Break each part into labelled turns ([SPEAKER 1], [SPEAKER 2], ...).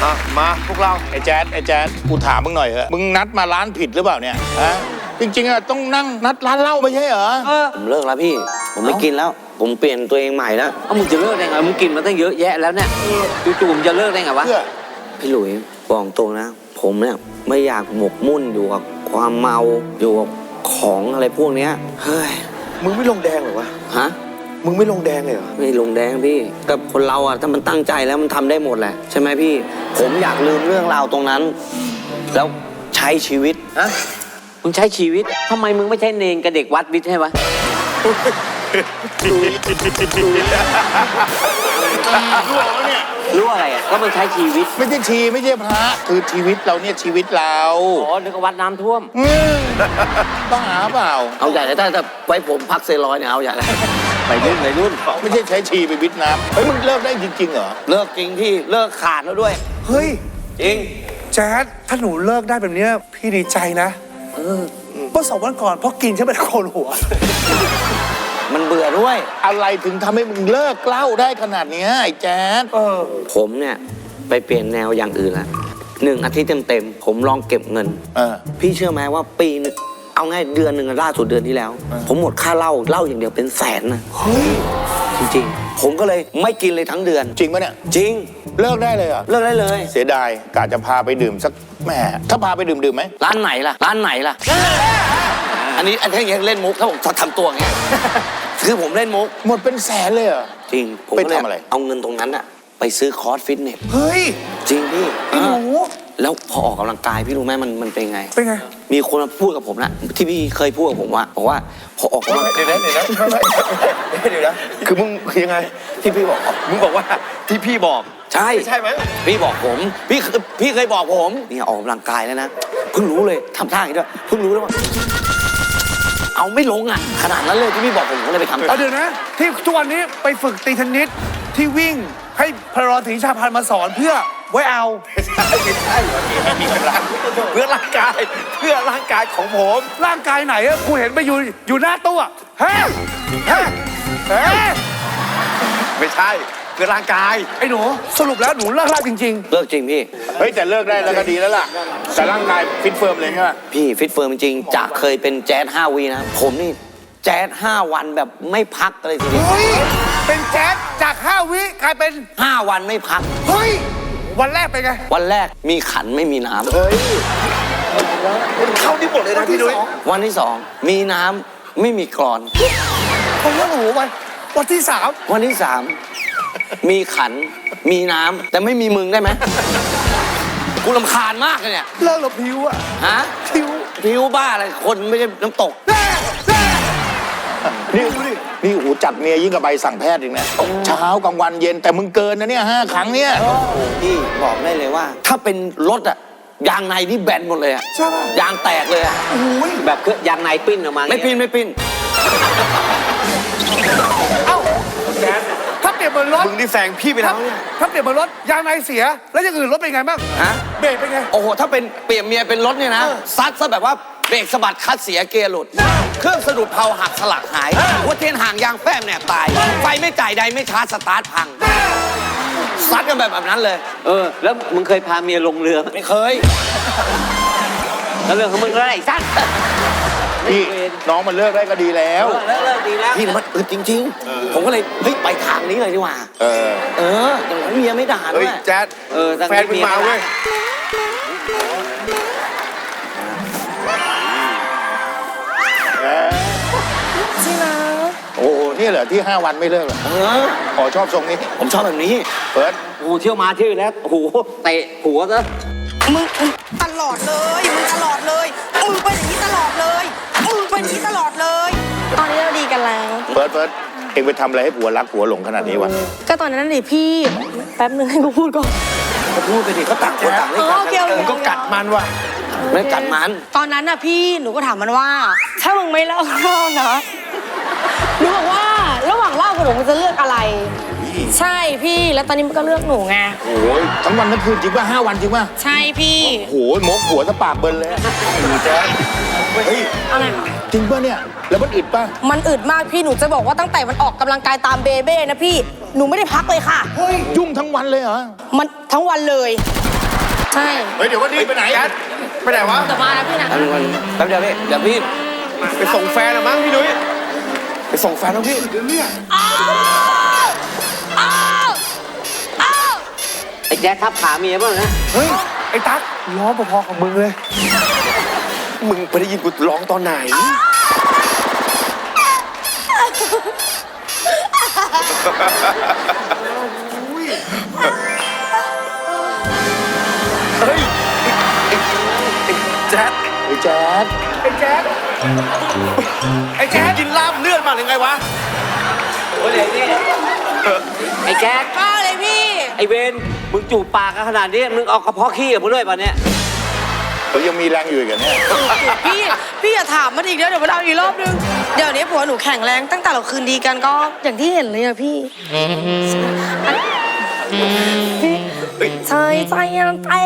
[SPEAKER 1] มาพวกเรา
[SPEAKER 2] ไอ้แจ๊ดกูถามมึงหน่อยเหอะมึงนัดมาร้านผิดหรือเปล่าเนี่ยฮะจริงๆอะต้องนั่งนัดร้านเหล้าไม่ใช่เหรอ
[SPEAKER 3] ผมเลิกแล้วพี่ผมไม่กินแล้วผมเปลี่ยนตัวเองใหม่แล้ว
[SPEAKER 4] มึงจะเลิกได้ไงมึงกินมาตั้งเยอะแยะแล้วเนี่ยจู่ๆมึงจะเลิกได้ไงวะ
[SPEAKER 3] พี่หลุยบอกตรงนะผมเนี่ยไม่อยากหมกมุ่นอยู่กับความเมาอยู่กับของอะไรพวกเนี้ยเฮ้ย
[SPEAKER 1] มึงไม่ลงแดงเหรอวะ
[SPEAKER 3] ฮะ
[SPEAKER 1] มึงไม่ลงแดงเลยเหรอ
[SPEAKER 3] ไม่ลงแดงพี่กับคนเราอ่ะถ้ามันตั้งใจแล้วมันทำได้หมดแหละใช่ไหมพี่ผมอยากลืมเรื่องราวตรงนั้นแล้วใช้ชีวิต
[SPEAKER 4] ฮะมึงใช้ชีวิตทำไมมึงไม่ใช่เนรกับเด็กวัดวิทย์ให้วะรู้อะไรอ่ะก็มันใช้ชีวิต
[SPEAKER 2] ไม่ใช่ไม่ใช่พระคือชีวิตเราเนี่ยชีวิตเรา
[SPEAKER 4] อ๋อนึกว่าวัดน้ำท่วม
[SPEAKER 2] บ้าเปล่า
[SPEAKER 3] เอาใหญ่เลยถ้าไว้ผมพักเซรอยเนี่ยเอาใหญ่เลย
[SPEAKER 4] ไปรุ่น
[SPEAKER 2] ไม่ใช่ใช้ชีไปวิทน้ำเฮ้ยมึงเลิกได้จริงๆเหรอ
[SPEAKER 3] เลิกจริงพี่เลิกขาดแล้วด้วย
[SPEAKER 1] เฮ้ย
[SPEAKER 3] จริง
[SPEAKER 1] แจ๊ดถ้าหนูเลิกได้แบบนี้พี่ดีใจนะเมื่อ2 วันก่อนเพราะกินฉันเป็นโคนหัว
[SPEAKER 3] มันเบื่อด้วย
[SPEAKER 2] อะไรถึงทำให้มึงเลิกเหล้าได้ขนาดนี้ไอ้แจ๊ด
[SPEAKER 3] ผมเนี่ยไปเปลี่ยนแนวอย่างอื่นละ1 อาทิตย์เต็มผมลองเก็บเงินพี่เชื่อไหมว่าปีนึงเอาง่ายเดือนหนึ่งล่าสุดเดือนที่แล้วผมหมดค่าเหล้าอย่างเดียวเป็นแสนนะ
[SPEAKER 1] เฮ้ย
[SPEAKER 3] จริงๆผมก็เลยไม่กินเลยทั้งเดือน
[SPEAKER 2] จริงปะเนี่ย
[SPEAKER 3] จริง
[SPEAKER 2] เลิกได้เลยเหรอ
[SPEAKER 3] เลิกได้เลย
[SPEAKER 2] เสียดายกะจะพาไปดื่มสักแหมถ้าพาไปดื่มไหม
[SPEAKER 3] ร้านไหนล่ะอันนี้ยังเล่นมุกถ้าผมทำตัวอย่างเงี้ยคือผมเล่นมุก
[SPEAKER 2] หมดเป็นแสนเลยเหรอ
[SPEAKER 3] จริงผม
[SPEAKER 2] ไปทำอะไร
[SPEAKER 3] เอาเงินตรงนั้นอะไปซื้อคอร์สฟิตเนส
[SPEAKER 1] เฮ้ย
[SPEAKER 3] จริงพี่
[SPEAKER 1] พี่หนู
[SPEAKER 3] แล้วพอออกกำลังกายพี่รู้ไหมมันเป็นไงมีคนมาพูดกับผมนะที่พี่เคยพูดกับผมว่าบอกว่าพอออกกำลังกาย
[SPEAKER 1] เดี๋ยวนะคือมึงคือยังไง
[SPEAKER 3] ที่พี่บอก
[SPEAKER 1] มึงบอกว่าที่พี่บอก
[SPEAKER 3] ใช่ไหมพี่บอกผมพี่เคยบอกผมนี่ออกกำลังกายแล้วนะเพิ่งรู้เลยทำท่าอย่างนี้ด้วยเพิ่งรู้แล้วว่าเอาไม่ลงอ่ะขนาดนั้นเลยที่พี่บอกผมก็เลยไปทำ
[SPEAKER 1] เดี๋ยวนะที่ทุกวันนี้ไปฝึกตีเทนนิสที่วิ่งให้พลรศรีชาพันธ์มาสอนเพื่อไว้เอา
[SPEAKER 2] ไม่ใช่เพื่อร่างกายของผม
[SPEAKER 1] ร่างกายไหนอะกูเห็นไปอยู่หน้าตู้อะเฮ้
[SPEAKER 2] ไม่ใช่เพื่อร่างกาย
[SPEAKER 1] ไอ้หนูสรุปแล้วหนูเลิกจริง
[SPEAKER 3] เลิกจริงพี่
[SPEAKER 2] เฮ้ยแต่เลิกได้แล้วก็ดีแล้วล่ะแต่ร่างกายฟิตเฟิร์มเลยใช่ไหม
[SPEAKER 3] พี่ฟิตเฟิร์มจริงจากเคยเป็นแจ๊ส5 วีนะผมนี่แจ๊ส5 วันแบบไม่พักเลยทีเดียว
[SPEAKER 1] เฮ้ยเป็นแจ๊สจาก5 วิกลายเป็น
[SPEAKER 3] 5 วันไม่พัก
[SPEAKER 1] เฮ้ยวันแรกเป็นไง
[SPEAKER 3] วันแรกมีขันไม่มีน้ำ
[SPEAKER 2] เฮ้ย
[SPEAKER 1] เข้าที่หมดเลยนะพี่นุ้ย
[SPEAKER 3] วันที่2มีน้ำไม่มีกรอน
[SPEAKER 1] ผมว่าหนูวันที่
[SPEAKER 3] 3มีขันมีน้ำแต่ไม่มีมึงได้ไหมกูรำคาญมากเลยเนี่ย
[SPEAKER 1] เลิกหรอพิวอะ
[SPEAKER 3] ฮะพิวบ้าอะไรคนไม่ใช่น้ำตก
[SPEAKER 2] นี่โอ้โหจัดเมียยิ่งกับใบสั่งแพทย์อีกนะเช้ากลางวันเย็นแต่มึงเกินนะเนี่ย5 ครั้งเนี่ย
[SPEAKER 3] พี่บอกได้เลยว่าถ้าเป็นรถอะยางในนี่แบนหมดเลยอะ
[SPEAKER 1] ใช่ป่ะ
[SPEAKER 3] ยางแตกเลยอะ
[SPEAKER 4] แบบคือยางในปิ้นออกมา
[SPEAKER 3] ไม่ปิ้น
[SPEAKER 1] เอ้าถ้าเปลี่ยนเหมือนรถ
[SPEAKER 2] มึงนี่แซงพี่ไปแล้วเนี่ย
[SPEAKER 1] ถ้าเปลี่ยนเหมือนรถยางในเสียแล้วอย่างอื่นรถเป็นไงบ้าง
[SPEAKER 3] ฮะ
[SPEAKER 1] เบรกเป็นไง
[SPEAKER 3] โอ้โหถ้าเป็นเปลี่ยนเมียเป็นรถเนี่ยนะซัดซะแบบว่าเบรกสะบัดคัดเสียเกียร์หลุดเครื่องสะดุดเพลาหักสลักหายหัวเทียนห่างยางแฟ้มแหนบตายไฟไม่จ่ายใดไม่ชาร์จสตาร์ทพังซัดกันแบบนั้นเลย
[SPEAKER 4] แล้วมึงเคยพาเมียลงเรือ
[SPEAKER 3] ไม่เคย
[SPEAKER 4] แล้วเรื่องของมึงอะไรสั้น
[SPEAKER 2] พี่น้องมันเลิกได้ก็ดีแล้ว
[SPEAKER 4] เลิกดีแล้ว
[SPEAKER 3] พี่มันจริงๆผมก็เลยเฮ้ยไปทางนี้เลยดีกว่าอย่างนั้นเมียไม่ด่าด้วย
[SPEAKER 2] แจ๊ดแฟนมึงมาเว้ย
[SPEAKER 1] จริงนะ
[SPEAKER 2] โอ้นี่เหรอที่5 วันไม่เลิกเหรอขอชอบทรงนี้
[SPEAKER 3] ผมชอบแบบนี้
[SPEAKER 2] เปิด
[SPEAKER 4] เที่ยวมาเที่ยวแล้วโอ้โหเตะหัวซะ
[SPEAKER 5] มึงตลอดเลยมึงตลอดเลยมึงเป็นอย่างนี้ตลอดเลยมึงเป็นอย่างนี้ตลอดเลยตอนนี้เราดีกันแล้ว
[SPEAKER 2] เปิดเอ็งไปทำอะไรให้ผัวรักผัวหลงขนาดนี้วะ
[SPEAKER 5] ก็ตอนนั้นดิพี่แป๊บนึงให้กูพูดก่อน
[SPEAKER 3] ก็พูดไปดิก็ตักคนต่างเล่น
[SPEAKER 1] กันก็กัดมันว่ะ
[SPEAKER 3] ไม่กัดมัน
[SPEAKER 5] ตอนนั้นน่ะพี่หนูก็ถามมันว่าถ้ามึงไม่เล่านะหนูบอกว่าระหว่างเล่ากับหนูมึงจะเลือกอะไรใช่พี่แล้วตอนนี้มันก็เลือกหนูไง
[SPEAKER 2] โอ้ยทั้งวันทั้งคืนจริงป่ะ5 วันจริงป่ะ
[SPEAKER 5] ใช่พี่
[SPEAKER 2] โอ้ยมกหัวสปากเบิร์นเลยแจ๊เฮ้ย
[SPEAKER 5] อะไร
[SPEAKER 2] จริงป่ะเนี่ยแล้วมันอึดป่ะ
[SPEAKER 5] มันอึดมากพี่หนูจะบอกว่าตั้งแต่มันออกกำลังกายตามเบเบ้นะพี่หนูไม่ได้พักเลยค่ะ
[SPEAKER 2] ยุ่งทั้งวันเลยเหรอ
[SPEAKER 5] มันทั้งวันเลยใช่
[SPEAKER 2] เฮ้ยเดี๋ยววันนี้ไปไหน
[SPEAKER 1] ไปไหนวะ
[SPEAKER 5] เดี๋ยวมาแล้วพี่นะ
[SPEAKER 3] แป๊บเดียวพี่เดี๋ยวพี่
[SPEAKER 1] ไปส่งแฟนอะมั้งพี่นุ้ยไปส่งแฟนแล้วพี่เนี่ย
[SPEAKER 4] ไอ้แจ๊คทับขาเมียบ้างนะ
[SPEAKER 1] เฮ้ยไอ้ตั๊กร้องพอๆกับมึงเลย มึงไปได้ยินกูร้องตอนไหนเฮ้ยไอ้แจ๊ด
[SPEAKER 2] ไอ้แจ๊ด
[SPEAKER 1] ไอ้แจ๊ดไอ้แจ๊ดกินลาบเลือดมาหรือไงวะ
[SPEAKER 4] โอ้ยเดี๋ยวนี่ไอ้แจ๊ค
[SPEAKER 5] บ้าเลยพี่
[SPEAKER 4] ไอ้เวนมึงจูบปากกันขนาดนี้มึงเอากระเพาะขี้กับมึงด้วยป่ะเนี่ย
[SPEAKER 2] เขายังมีแรงอยู่อีกเหรอเนี่ย
[SPEAKER 5] พี่อย่าถามมันอีกเดี๋ยวมันเอาอีกรอบนึง เดี๋ยวนี้ผัวหนูแข็งแรงตั้งแต่เราคืนดีกันก็อย่างที่เห็นเลยอะพี่ใช่ใจมันไป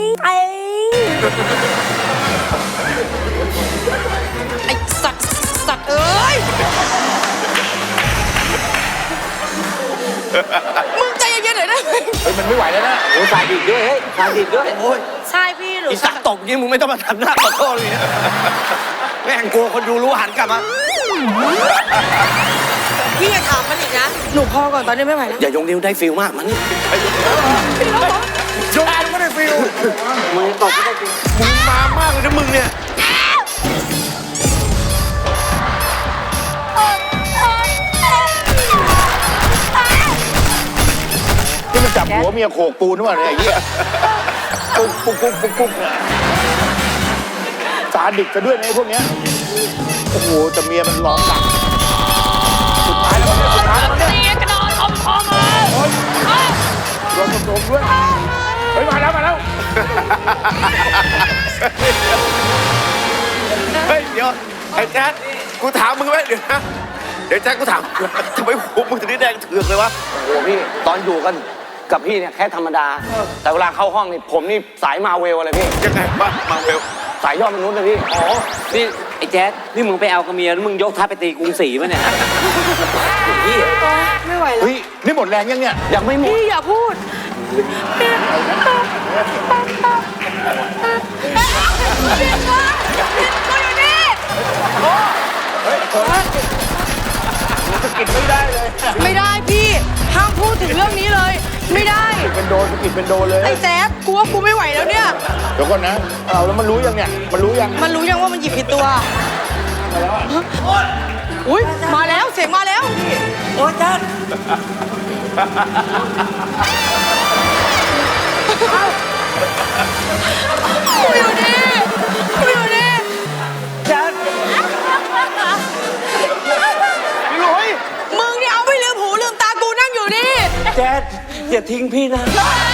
[SPEAKER 5] ไอ้สัตว์เอ้ยมึงใจเย็นๆหน่อยได้ไหม
[SPEAKER 2] เฮ้ยมันไม่ไหวแล้วนะ
[SPEAKER 4] โอ้ยสายดิดด้วยเฮ้ยสายดิดด้วย
[SPEAKER 3] โอ้ย
[SPEAKER 5] ใช่พี่หนู
[SPEAKER 3] อีสักตกนี่มึงไม่ต้องมาทำหน้าขอโทษเลยนะแม่งกลัวคนดูรู้หันกลับมา
[SPEAKER 5] พี่อย่าถามมันอีกนะหนูพอก่อนตอนนี้ไม่ไหวแล้ว
[SPEAKER 3] อย่ายงนิ้วได้ฟิลมากมัน
[SPEAKER 1] โยนไม่ได้ฟิล
[SPEAKER 4] มึงตบไม่ได้จริง
[SPEAKER 1] มึงมามากเลยนะมึงเนี่ย
[SPEAKER 2] ที่มันจับหัวเมียโขกปูนหรือเปล่าเนี่ยไอ้เหี้ยปุ๊กปุ๊กปุ๊กปุ๊กปุ๊กเนี่ยสาดิกกันด้วยนะไอ้พวกเนี้ยโอ้โหแต่เมียมันร้องหนักสุดท้ายแล้วเนี่ย
[SPEAKER 5] กระโดดอมคอมา
[SPEAKER 2] ร้องโดมด้วยเฮ้ยมาแล้ว
[SPEAKER 1] เฮ้ยเดี๋ยวไอ้แจ๊ดกูถามมึงไว้เดี๋ยวนะเดี๋ยวแจ๊ดกูถามทำไมหัวมึงถึงได้แดงเถือกเลยวะ
[SPEAKER 3] โอ้โหพี่ตอนอยู่กันกับพี่เนี่ยแค่ธรรมดา แต่เวลาเข้าห้องนี่ผมนี่สายมาเวลอะไรพี่
[SPEAKER 1] ยังไงวะมาเร็ว
[SPEAKER 3] สายยอดมนุษย์เลยพี่
[SPEAKER 1] อ๋อ
[SPEAKER 4] นี่ไอ้แจ๊คนี่มึงไปเอากับเมียแล้วมึงยกทัพไปตีกรุงศรีป่ะเนี่ยพี่
[SPEAKER 5] ไม่ไหวแล้ว
[SPEAKER 2] เฮ้ยนี่หมดแรงยังเนี่ย
[SPEAKER 3] ยังไม่หมด
[SPEAKER 5] พี่อย่าพูดไม่ได้พี่ห้ามพูดถึงเรื่องนี้เลย ไม่ได้
[SPEAKER 2] เป็นโดนสกิดเป็นโดนเลย
[SPEAKER 5] ไอ้แจ๊บกูว่ากูไม่ไหวแล้วเนี่ย
[SPEAKER 2] เดี๋ยวก่อนนะเอาแล้วมันรู้ยังเนี่ยมันรู้ยัง
[SPEAKER 5] มันรู้ยังว่ามันหยิบผิดตัวอุ้ยมาแล้วเสียงมาแล้วโอ้ยจ๊ดกูอยู่นี่จ๊ดมึงนี่เอาไม่ลืมหูลืมตากูนั่งอยู่นี่
[SPEAKER 4] แจ๊คอย่าทิ้งพี่นะ